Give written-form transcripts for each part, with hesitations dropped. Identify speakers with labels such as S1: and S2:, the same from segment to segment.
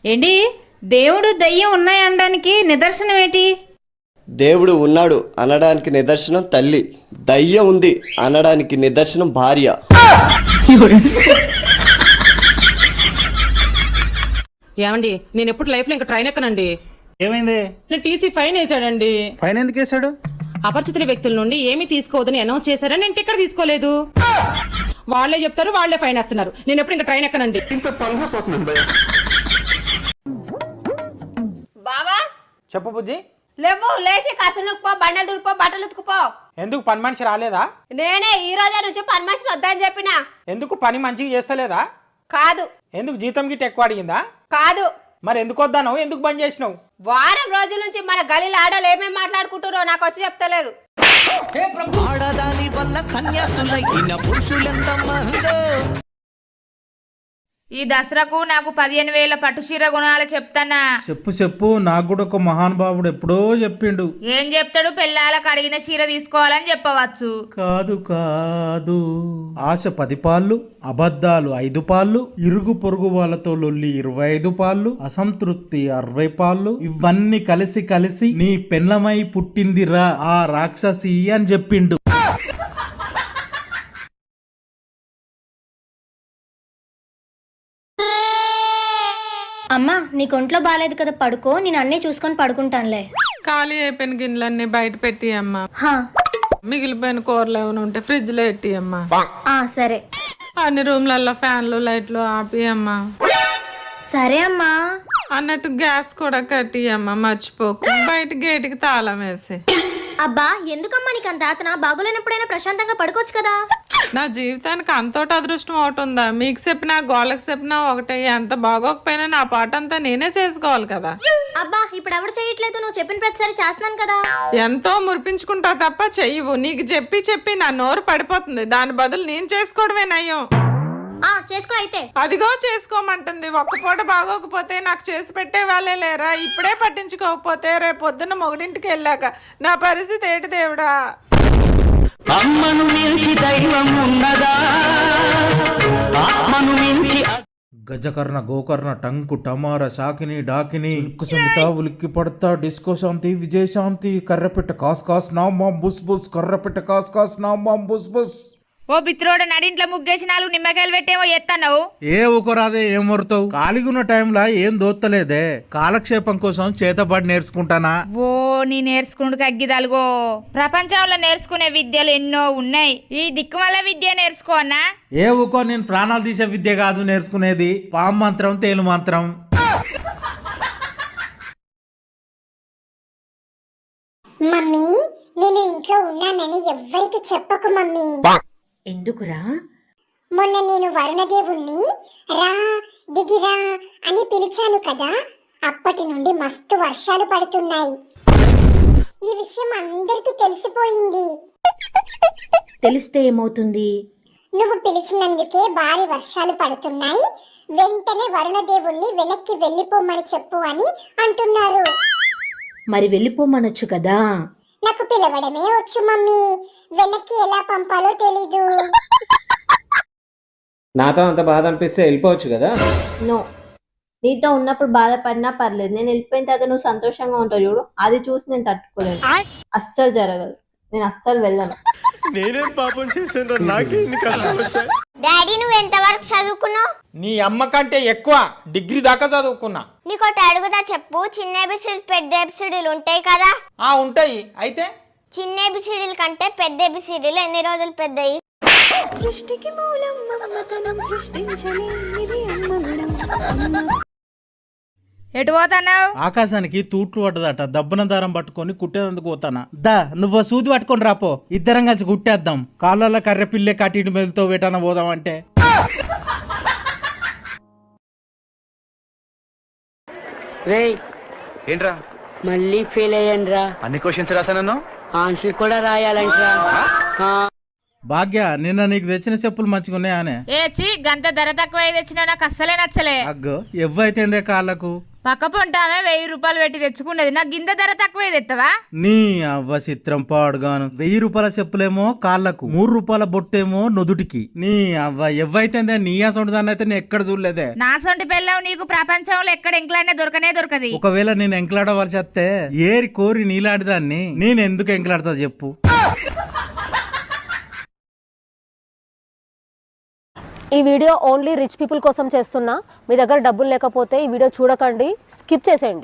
S1: ఏంటి దేవుడు దయ్యం ఉన్నాయనడానికి నిదర్శనం ఏంటి?
S2: దేవుడు ఉన్నాడు అనడానికి నిదర్శనం తల్లి, దయ్యం ఉంది అనడానికి నిదర్శనం భార్య.
S3: ఏమండి, నేను ఎప్పుడు లైఫ్ లో ఇంకా ట్రైన్ ఎక్కనండి.
S4: ఏమైంది?
S3: నేను టీసీ ఫైన్ వేసాడండి.
S4: ఫైన్ ఎందుకు వేసాడు?
S3: అపరిచితుల వ్యక్తుల నుండి ఏమీ తీసుకోవద్దని అనౌన్స్ చేశారని నేను టికెట్ తీసుకోలేదు. వాళ్ళే చెప్తారు, వాళ్ళే ఫైన్ వేస్తున్నారు. నేను ఎప్పుడు ఇంకా ట్రైన్ ఎక్కనండి.
S5: బావా
S6: చెప్పు బుజ్జి.
S5: లేవు, లేచి కసులు పో, బండలు దుడిపో, బట్టలు ఉతుకుపో.
S6: ఎందుకు పని మనిషి రాలేదా?
S5: నేనే ఈ రోజే నుంచి పని మనిషిని వద్దని చెప్పినా.
S6: ఎందుకు పని మంచిగా చేస్తలేదా?
S5: కాదు.
S6: ఎందుకు జీతం గిట్ట ఎక్కువ అడిగిందా?
S5: కాదు.
S6: మరి ఎందుకు వద్దాను? ఎందుకు బంద్ చేసినావు?
S5: వారం రోజుల నుంచి మన గలీల ఆడలు ఏమేమి మాట్లాడుకుంటారో నాకు వచ్చి చెప్తలేదు.
S1: ఈ దసరాకు నాకు 15,000 పట్టు చీర కొనాలి చెప్తానా?
S7: చెప్పు నాకు కూడా ఒక మహానుభావుడు ఎప్పుడో చెప్పిండు.
S1: ఏం చెప్తాడు? పెళ్ళాలకు అడిగిన చీర తీసుకోవాలని చెప్పవచ్చు.
S7: కాదు ఆశ 10 పాళ్ళు, అబద్ధాలు 5 పాళ్ళు, ఇరుగు పొరుగు వాళ్ళతో లొల్లి 25 పాళ్ళు, అసంతృప్తి 60 పాళ్ళు, ఇవన్నీ కలిసి నీ పెళ్ళమై పుట్టిందిరా ఆ రాక్షసి అని చెప్పిండు.
S8: అమ్మా, నీకు ఒంట్లో బాగాలేదు కదా, పడుకో, నేను అన్నీ చూసుకొని పడుకుంటానులే.
S9: ఖాళీ అయిపోయిన గిన్నెలన్నీ బయట పెట్టి అమ్మా.
S8: హా,
S9: మిగిలిపోయిన కూరలు ఏమైనా ఉంటే ఫ్రిడ్జ్ లో పెట్టి అమ్మా.
S8: సరే.
S9: అన్ని రూమ్లలో ఫ్యాన్లు లైట్లు ఆపి అమ్మా.
S8: సరే అమ్మా.
S9: అన్నట్టు గ్యాస్ కూడా కట్టి అమ్మా, మర్చిపోకు. బయట గేటుకి తాళం వేసి.
S8: అబ్బా, ఎందుకమ్మా నీకు అంత ఆతన? బాగోలేనప్పుడైనా ప్రశాంతంగా పడుకోవచ్చు కదా.
S9: నా జీవితానికి అంతోటి అదృష్టం ఒకటి ఉందా? మీకు చెప్పినా గోళ్ళకి చెప్పినా ఒకటే. ఎంత బాగోకపోయినా నా పాట అంతా నేనే చేసుకోవాలి కదా.
S8: అబ్బా, ఇప్పుడు ఎవరు చేయట్లేదు, నువ్వు చెప్పిన ప్రతిసారి చేస్తున్నాను కదా.
S9: ఎంతో మురిపించుకుంటావు తప్ప చెయ్యవు. నీకు చెప్పి నా నోరు పడిపోతుంది. దాని బదులు నేను చేసుకోవడమే నయం.
S8: చేసుకో అయితే.
S9: అదిగో చేసుకోమంటుంది. ఒక్క పూట బాగోకపోతే నాకు చేసి పెట్టే వాళ్ళే లేరా? ఇప్పుడే పట్టించుకోకపోతే రేపు పొద్దున్న మొగుడింటికి వెళ్ళాక నా పరిస్థితి ఏంటి దేవుడా?
S10: అమ్మను మించి దైవం ఉన్నదా? ఆత్మను మించి
S7: గజకర్ణ, గోకర్ణ, టంకు, టమార, శాకిని, డాకిని, సుమిత, ఉలిక్కి పడతా, డిస్కో శాంతి, విజయశాంతి, కర్రపెట్ట కాస్ కాస్ నామాం బుస్ బుస్, కర్రపెట్ట కాస్ కాస్ నామాం బుస్ బుస్.
S1: ఓ బిత్రోడ, నడింట్లో ముగ్గేసి 4 నిమ్మకాయలు పెట్టేమో ఎత్తన్నావు.
S7: ఏ ఊకరాదే, ఏం మొరుతావు? ఖాళీగున్న టైంలో ఏం దోత్తలేదే, కాలక్షేపం కోసం చేతబడి నేర్చుకుంటానా.
S1: ఓ, నీ నేర్చుకుంటూ అగ్గిదలుగో. ప్రపంచంలో నేర్చుకునే విద్యలు ఎన్నో ఉన్నాయి. ఈ దిక్కుమల్ల విద్య నేర్చుకోనా?
S7: ఏ ఊకో, నేను ప్రాణాలు తీసే విద్య కాదు నేర్చుకునేది, పాము మంత్రం, తేలు మంత్రం.
S11: మమ్మీ, నేను ఇంట్లో ఉన్నానని ఎవ్వరికి చెప్పకు మమ్మీ.
S3: ఎందుకురా?
S11: మొన్న నేను వరుణదేవుణ్ణి రా దిగిరా అని పిలిచాను కదా, అప్పటి నుండి మస్తు వర్షాలు పడుతున్నాయి. ఈ విషయం అందరికీ తెలిసిపోయింది.
S3: తెలిస్తే ఏమవుతుంది?
S11: నువ్వు పిలిచినందుకే భారీ వర్షాలు పడుతున్నాయి, వెంటనే వరుణదేవుణ్ణి వెనక్కి వెళ్ళిపోమని చెప్పు అని అంటున్నారు.
S3: మరి వెళ్ళిపోమనొచ్చు కదా.
S11: నాకు పిలవడమే వచ్చు మమ్మీ, వెనక్కి ఎలా పంపాలో తెలీదు.
S6: నాతో అంత బాధ అనిపిస్తే వెళ్ళిపోవచ్చు కదా.
S8: నో, నీతో ఉన్నప్పుడు బాధపడినా పర్లేదు, నేను వెళ్ళిపోయిన తర్వాత నువ్వు సంతోషంగా ఉంటావు చూడు, అది చూసి నేను తట్టుకోలేను. అస్సలు జరగదు, నేను అస్సలు వెళ్ళను.
S2: నేనేం పాపం చేశాను? నాకేం కష్టాలు వచ్చాయి?
S11: డాడీ, నువ్వు ఎంతవరకు చదువుకున్నావు?
S6: నీ అమ్మ కంటే ఎక్కువ, డిగ్రీ దాకా చదువుకున్నా.
S11: నీకోటి అడుగుదా చెప్పు. చిన్న ఏబిసిడీలు పెద్ద ఏబిసిడీలు ఉంటాయి కదా.
S6: ఉంటాయి. అయితే
S11: చిన్న ఏబిసిడీల కంటే పెద్ద ఏబిసిడీలు ఎన్ని రోజులు పెద్దయి?
S8: సృష్టికి మూలం మమతనం, సృష్టించలేనిది అమ్మగుణం.
S1: ఎటు పోతున్నావు?
S7: ఆకాశానికి తూట్లు పడ్డదట, దబ్బన దారం పట్టుకొని కుట్టేందుకు పోతానా. దా, నువ్వు సూది పట్టుకొని రాపో, ఇద్దరం కలిసి కుట్టేద్దాం. కాళ్ళ కర్రె పిల్లే కట్టిటి మెదులుతో వేటాన పోదాం అంటే.
S10: ఏంట్రా
S3: మళ్ళీ ఫెయిల్ అయ్యాను రా.
S10: అన్ని క్వశ్చన్స్ రాసానన్నా?
S3: ఆన్సర్ కూడా రాయాలంటరా.
S7: భాగ్య నిన్న నీకు తెచ్చిన చెప్పులు మంచిగా ఉన్నాయానే?
S1: చీ గంత ధర తక్కువ తెచ్చినా నాకు అస్సలే నచ్చలే.
S7: అగ్గో ఎవ్వైతేందే కాళ్ళకు
S1: పక్క పొంటామే 1000 రూపాయలు పెట్టి తెచ్చుకున్నది, నాకు గింత ధర తక్కువ తెత్తవా?
S7: నీ అవ్వ చిత్రం పాడుగాను. 1000 రూపాయల చెప్పులేమో కాళ్ళకు, 3 రూపాయల బొట్టేమో నుదుటికి. నీ అవ్వ ఎవ్వైతేందే నీ అసొంటి దాన్ని అయితే నేను ఎక్కడ చూడలేదే.
S1: నా సొంటి పెళ్ళావు నీకు ప్రపంచంలో ఎక్కడ ఎంకలాడినా దొరకది.
S7: ఒకవేళ నేను ఎంకలాడవలసి వస్తే ఏరి కోరి నీలాంటి దాన్ని నేను ఎందుకు ఎంకలాడతా చెప్పు?
S8: ఈ వీడియో ఓన్లీ రిచ్ పీపుల్ కోసం చేస్తున్నా. మీ దగ్గర డబ్బులు లేకపోతే ఈ వీడియో చూడకండి, స్కిప్ చేసేయండి.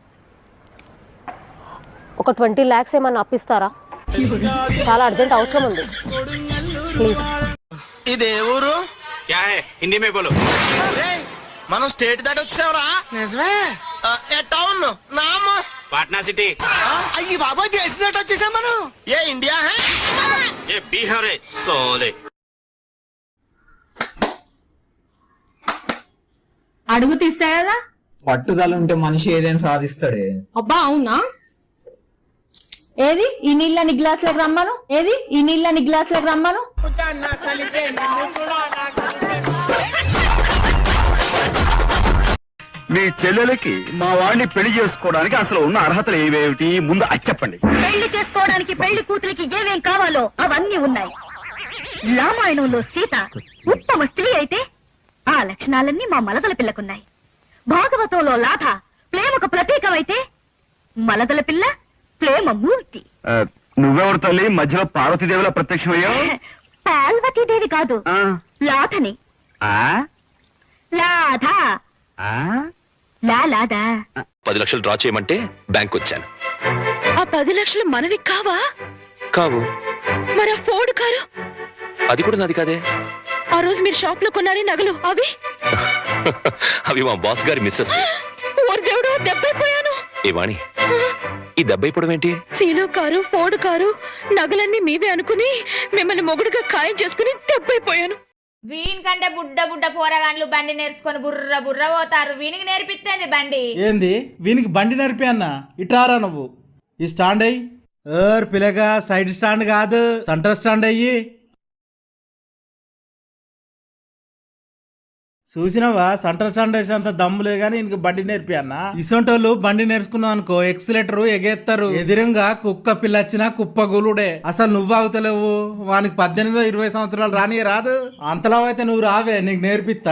S8: ఒక 20 lakhs ఏమన్నా అప్పిస్తారా? చాలా అర్జెంట్ అవసరం ఉంది, ప్లీజ్.
S10: ఇదే ఊరు హిందీ మే బోలో. మనం స్టేట్ దాటి వచ్చావరా? నిజమే. టౌన్ నామ్ పాట్నా సిటీ. అయ్యి బాబాయ్ దేశం దాటి వచ్చేసాం మనం. ఏ ఇండియా హై ఏ బీహార్ సోలే.
S5: అడుగు తీస్తాయా?
S6: పట్టుదల ఉంటే మనిషి ఏదైనా సాధిస్తాడే.
S5: అబ్బా అవునా? ఏది ఈ నీళ్ళని గ్లాసులకు రమ్మను, ఏది ఈ నీళ్ళని గ్లాసులకు రమ్మను.
S10: మీ చెల్లెలకి మా వాడిని పెళ్లి చేసుకోవడానికి అసలు ఉన్న అర్హతలు ఏవేమిటి ముందు అది చెప్పండి.
S8: పెళ్లి చేసుకోవడానికి పెళ్లి కూతురికి ఏమేం కావాలో అవన్నీ ఉన్నాయి. రామాయణంలో సీత ఉత్తమ స్త్రీ అయితే ఆ లక్షణాలన్నీ మా మలదల పిల్లకున్నాయి. భాగవతంలో లాథ ప్రేమకు ప్రతీకమైతే మలదల పిల్ల ప్రేమ మూర్తి.
S10: నువ్వెవరు తల్లి మధ్యలో పార్వతీదేవిలా ప్రత్యక్షమయ్యావు?
S8: పార్వతీదేవి కాదు, లాథని. లాథ లాదా.
S4: 10 లక్షలు డ్రా చేయమంటే బ్యాంక్ వచ్చాను.
S8: ఆ 10 లక్షలు మనవి కావా?
S4: కావు.
S8: మరి ఆ ఫోర్డ్ కారు?
S4: అది కూడా నాది కాదే.
S8: ఆ రోజు మీరు షాప్ లో కొన్నారే నగలు అవి?
S4: అవి మా బాస్ గారి మిస్సెస్.
S8: దేవుడు దెబ్బైపోయాను.
S4: ఏ వాణి, ఈ దెబ్బైపోవడం ఏంటి?
S8: చీలో కారు, ఫోర్డ్ కారు, నగలన్నీ మీవే అనుకుని మిమ్మల్ని మొగుడుగా ఖాయం చేసుకుని దెబ్బైపోయాను.
S1: వీని కంటే బుడ్డ పోరగాన్లు బండి నేర్చుకొని బుర్ర పోతారు. వీనికి నేర్పిస్తేంది బండి?
S7: ఏంది వీనికి బండి నడిపి అన్న? ఇటారా నువ్వు ఈ స్టాండ్ అయ్యి. పిల్లగా సైడ్ స్టాండ్ కాదు, సెంటర్ స్టాండ్ అయ్యి. చూసినావా సెంటర్ స్టాండ్ వేసేంత దమ్ము లేదు కానీ ఇంక బండి నేర్పి అన్న. ఇసొంటోళ్ళు బండి నేర్చుకున్నావు అనుకో ఎక్సిలేటర్ ఎగేస్తారు. ఎదురుగా కుక్క పిల్ల వచ్చినా కుప్ప గులుడే. అసలు నువ్వు ఆగుతలేవు. వానికి 18-20 సంవత్సరాలు రాని రాదు. అంతలా అయితే నువ్వు రావే, నీకు నేర్పిస్తా.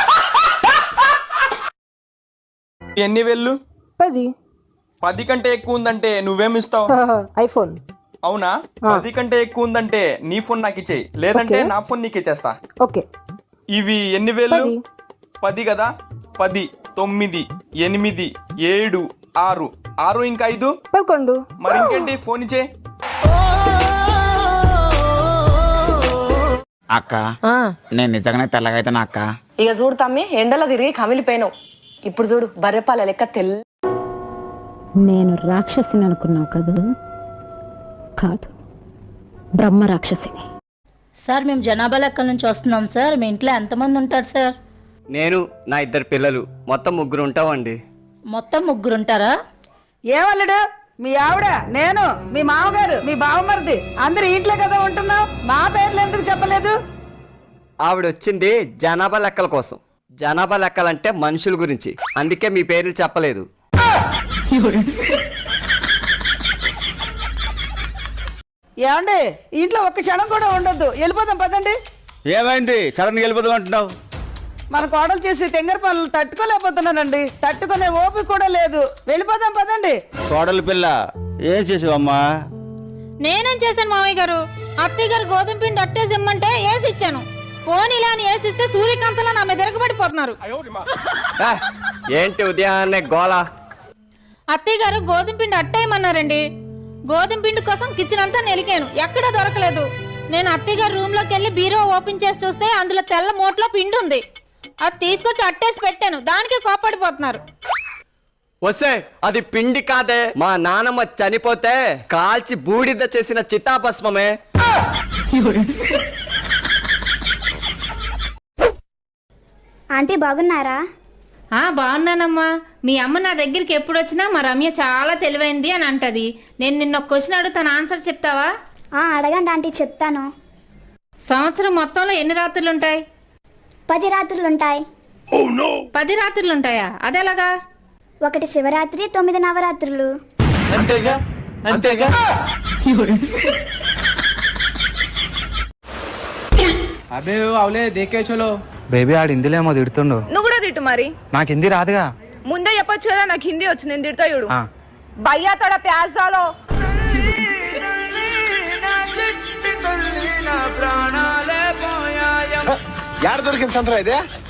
S6: ఎన్ని వేళ్ళు?
S3: 10.
S6: 10 కంటే ఎక్కువ ఉందంటే నువ్వేమిస్తావు?
S3: ఐఫోన్.
S6: అవునా? 10 కంటే ఎక్కువ ఉందంటే నీ ఫోన్ నాకు ఇచ్చేయి, లేదంటే నా ఫోన్ నీకు ఇచ్చేస్తా.
S3: ఓకే.
S6: ఇవి ఎన్ని వేళ్ళు? 10 కదా. 10, 9, 8, 7, 6. 6 ఇంకా 5
S3: 11.
S6: మరి ఇంకేంటి, ఫోన్ ఇచ్చే.
S10: అక్క నేను నిజంగానే తెల్లగా అయితేనా అక్క?
S5: ఇక చూడు తమ్మి, ఎండలో తిరిగి కమిలిపోయినావు. ఇప్పుడు చూడు బర్రెపాల లెక్క తెల్ల.
S8: నేను రాక్షసిని అనుకున్నావు కదా? కాదు, బ్రహ్మ రాక్షసిని. సార్ మేము జనాభా లెక్కల నుంచి వస్తున్నాం సార్. మీ ఇంట్లో ఎంతమంది ఉంటారు సార్?
S2: నేను, నా 2 పిల్లలు, మొత్తం 3 ఉంటామండి.
S8: మొత్తం 3 ఉంటారా?
S3: ఏమల్లుడు, మీ ఆవిడ, నేను, మీ మామగారు, మీ బావమరిది అందరు ఇంట్లో కదా ఉంటున్నాం. మా పేర్లు ఎందుకు చెప్పలేదు?
S2: ఆవిడ వచ్చింది జనాభా లెక్కల కోసం. జనాభా లెక్కలంటే మనుషుల గురించి, అందుకే మీ పేర్లు చెప్పలేదు.
S3: ఏమండి, ఇంట్లో ఒక్క క్షణం కూడా ఉండొద్దు, వెళ్ళిపోదాం పదండి.
S10: ఏమైంది సడన్ గా వెళ్ళిపోదాం అంటున్నావు?
S3: మన కోడలు చేసి తెంగర పనులు తట్టుకోలేకపోతున్నానండి. తట్టుకునే ఓపిక కూడా లేదు. వెళ్ళిపోదాం పదండి.
S10: కోడలు పిల్ల ఏం చేసావమ్మా?
S1: నేనేం చేశాను మావయ్య గారు? అత్తయ్య గారు గోధుమ పిండి అట్టేసి ఇమ్మంటే వేసి ఇచ్చాను. పోనీ ఇలా అని వేసిస్తే సూర్యకాంతలా నా మీద తిరగబడిపోతున్నారు.
S2: ఏంటి ఉదయాన్నే గోలా?
S1: అత్తయ్య గారు గోధుమ పిండి అట్టేయమన్నారండి. గోధుమ పిండి కోసం కిచెన్ అంతా నెలికాను, ఎక్కడా దొరకలేదు. నేను అత్తయ్య గారు రూమ్ లోకి వెళ్ళి బీరో ఓపెన్ చేసి చూస్తే అందులో తెల్ల మూటలో పిండి ఉంది. అది తీసుకొచ్చి అట్టేసి పెట్టాను, దానికి కోపడిపోతున్నారు.
S2: వస్తే అది పిండి కాదే, మా నానమ్మ చనిపోతే కాల్చి బూడిద చేసిన చితాభస్మమే.
S11: ఆంటీ బాగున్నారా?
S1: బాగున్నానమ్మా. మీ అమ్మ నా దగ్గరికి ఎప్పుడు వచ్చినా మా రమ్య చాలా తెలివైంది అని అంటది. నేను నిన్న ఒక క్వశ్చన్ అడుగుతాను, ఆన్సర్ చెప్తావా?
S11: అడగండి ఆంటీ, చెప్తాను.
S1: సంవత్సరం మొత్తంలో ఎన్ని రాత్రులు ఉంటాయి?
S11: 10 రాత్రులుంటాయి.
S1: 10 రాత్రులు ఉంటాయా? అదెలాగా?
S11: 1 శివరాత్రి, 9 నవరాత్రులు.
S10: అంతేగా అంతేగా.
S12: అబే అవలే దేకే చలో.
S10: బేబీ ఆడు హిందీలేమో తిడుతుండు.
S5: నువ్వు కూడా తిట్టు మరి.
S10: నాకు హిందీ రాదుగా.
S5: ముందే చెప్పొచ్చు కదా నాకు హిందీ వచ్చి నేను తిడతా చూడు. భయ్యా తోడ ప్యాజ్ దాలో.
S10: యాడ దొరికింది సంతరా ఇదే?